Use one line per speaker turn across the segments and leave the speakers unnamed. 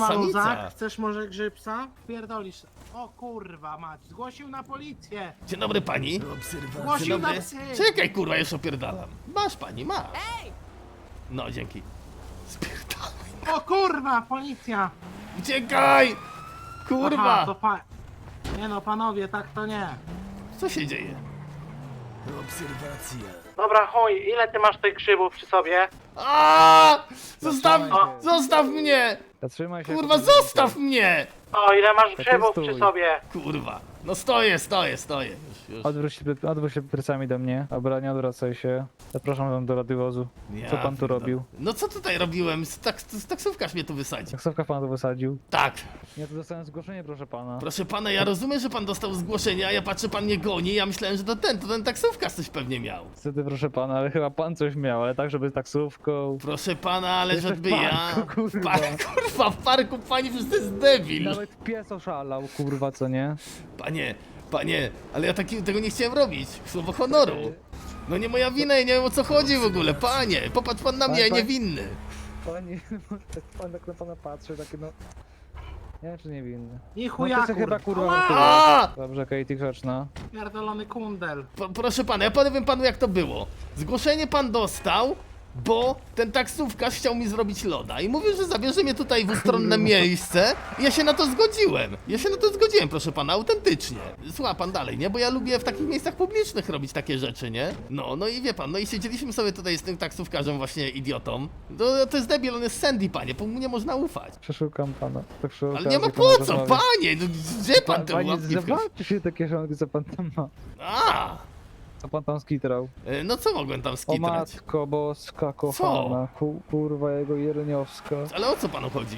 Siema Luzak,
samica.
chcesz może grzybsa? Pierdolisz. O kurwa mać, zgłosił na policję.
Dzień dobry pani. Dzień
Zgłosił na
dobry.
psy.
Czekaj kurwa, już opierdalam. Masz pani, masz. No dzięki. Spierdalaj.
O kurwa, policja.
Uciekaj! Kurwa!
Aha, to nie no panowie, tak to nie.
Co się dzieje?
Dobra, chuj, ile ty masz tych grzybów przy sobie?
A! Zostaw!
Zatrzymaj się.
Zostaw mnie!
Zatrzymaj się.
Kurwa, zostaw mnie!
O, ile masz
Tak
grzybów
stój.
przy sobie?
Kurwa. No stoję. Już.
Odwróć się plecami do mnie. Dobra, nie odwracaj się. Zapraszam wam do radiowozu. Co pan tu
pierdolę.
robił?
No co tutaj robiłem? Taksówkarz mnie tu wysadził.
Taksówka pana tu wysadził.
Tak.
Ja tu dostałem zgłoszenie, proszę pana.
Proszę pana, ja rozumiem, że pan dostał zgłoszenie, a ja patrzę, pan mnie goni. Ja myślałem, że to ten taksówkarz coś pewnie miał.
Niestety, proszę pana, ale chyba pan coś miał, ale tak, żeby taksówką.
Proszę pana, ale
Jeszcze w
żeby ja...
parku, kurwa.
Kurwa, w parku pani przecież to jest debil.
Nawet pies oszalał, kurwa, co nie?
Panie, ale ja tego nie chciałem robić. Słowo honoru. No nie moja wina, ja nie wiem o co chodzi w ogóle, panie. Popatrz pan na mnie, ja niewinny.
Panie, tak pan tak na pana patrzy, takie no... Nie wiem, czy niewinny.
I
No
chuja
to chyba kurwa
Ała!
kurwa. Dobrze, Katie, grzeczna.
Pierdolony kundel.
Proszę pana, ja powiem panu jak to było. Zgłoszenie pan dostał, bo ten taksówkarz chciał mi zrobić loda i mówił, że zabierze mnie tutaj w ustronne miejsce i ja się na to zgodziłem. Proszę pana, autentycznie. Słucha pan dalej, nie? Bo ja lubię w takich miejscach publicznych robić takie rzeczy, nie? No i wie pan, no i siedzieliśmy sobie tutaj z tym taksówkarzem właśnie idiotą. To jest debil, on jest Sandy, panie, mu nie można ufać.
Przeszukam pana. Tak przy
Ale nie ma
okazji,
po co,
rozmawiać.
panie! No, gdzie pan te
Panie,
łapki w
zobaczcie się te kieszonki, co pan tam ma.
A!
Co pan tam skitrał?
No co mogłem tam
O
skitrać?
matko boska kochana, kurwa jego jerniowska.
Ale o co panu chodzi?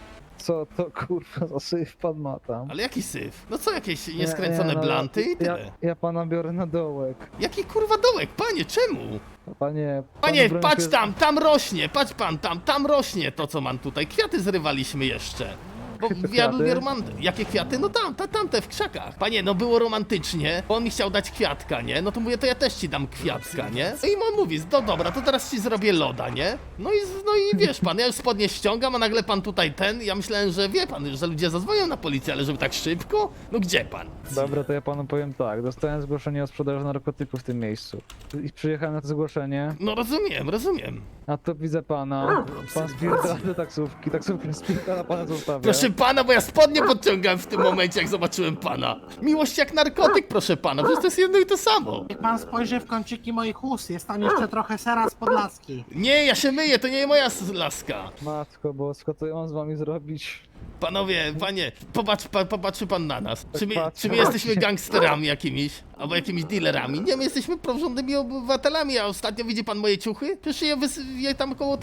Co to kurwa za syf pan ma tam?
Ale jaki syf? No co, jakieś nieskręcone
no,
blanty i tyle.
Ja pana biorę na dołek.
Jaki kurwa dołek, panie, czemu?
Panie,
Panie,
broń
patrz
się-
tam rośnie, patrz pan tam rośnie to co mam tutaj. Kwiaty zrywaliśmy jeszcze. Bo ja
Kwiaty?
lubię Jakie kwiaty? No tam te w krzakach. Panie, no było romantycznie, bo on mi chciał dać kwiatka, nie? No to mówię, to ja też ci dam kwiatka, nie? No i on mówi, no dobra, to teraz ci zrobię loda, nie? No i wiesz pan, ja już spodnie ściągam, a nagle pan tutaj ja myślałem, że wie pan, że ludzie zadzwonią na policję, ale żeby tak szybko? No gdzie pan?
Dobra, to ja panu powiem tak. Dostałem zgłoszenie o sprzedaży narkotyków w tym miejscu. I przyjechałem na to zgłoszenie,
No rozumiem.
a to widzę pana. Pan spierdala do taksówki, taksówka spierdala pana zostawia.
Proszę pana, bo ja spodnie podciągałem w tym momencie, jak zobaczyłem pana. Miłość jak narkotyk, proszę pana, przecież to jest jedno i to samo.
Niech pan spojrzy w kąciki moich ust, jest tam jeszcze trochę sera z Podlaski.
Nie, ja się myję, to nie moja laska.
Matko bosko, co ja mam z wami zrobić?
Panowie, panie, popatrzy pan na nas. Czy my
patrzę
jesteśmy
właśnie.
gangsterami jakimiś? Albo jakimiś dealerami? Nie, my jesteśmy porządnymi obywatelami, a ostatnio widzi pan moje ciuchy? Przecież je tam koło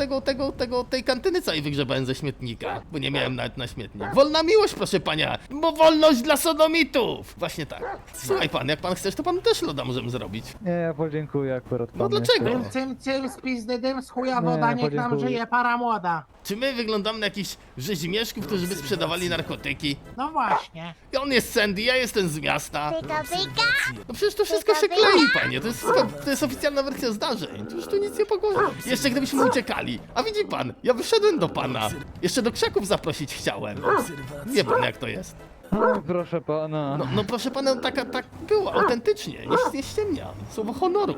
tej kantyny całej wygrzebałem ze śmietnika, bo nie miałem nawet na śmietnik. Wolna miłość, proszę pana, bo wolność dla sodomitów! Właśnie tak. Słuchaj pan, jak pan chcesz, to panu też loda możemy zrobić.
Nie, ja podziękuję akurat
No
panu
dlaczego?
jeszcze.
Cym, z pizdy dym, z chuja
Nie,
woda, niech nam
podziękuję.
żyje para młoda.
Czy my wyglądamy na jakichś rzezimieszków, którzy by sprzedawali narkotyki?
No właśnie.
I on jest Sandy, ja jestem z miasta.
Pika, pika.
No przecież to wszystko się klei, panie. To jest oficjalna wersja zdarzeń. To już tu nic nie pogorzy. Jeszcze gdybyśmy uciekali. A widzi pan, ja wyszedłem do pana. Jeszcze do krzaków zaprosić chciałem. Wie pan jak to jest.
Oj, proszę pana.
No proszę pana, tak było, autentycznie. Nie ściemniam. Słowo honoru.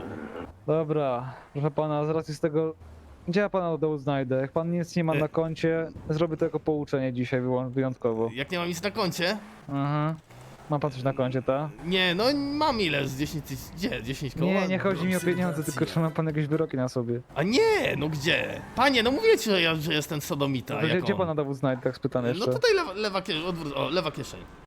Dobra, proszę pana, z racji z tego... Gdzie ja pana dołu znajdę? Jak pan nic nie ma na koncie, zrobię to jako pouczenie dzisiaj wyjątkowo.
Jak nie mam nic na koncie?
Aha. Ma pan coś na koncie, ta?
Nie, no mam ile z 10 tysięcy. Gdzie? 10 koła?
Nie chodzi mi o pieniądze, tylko czy ma pan jakieś wyroki na sobie.
A nie, no gdzie? Panie, no mówię ci, że jestem sodomita.
To
jak
gdzie
on.
pana dowód znajdę, tak spytam jeszcze.
No tutaj lewa kieszeń.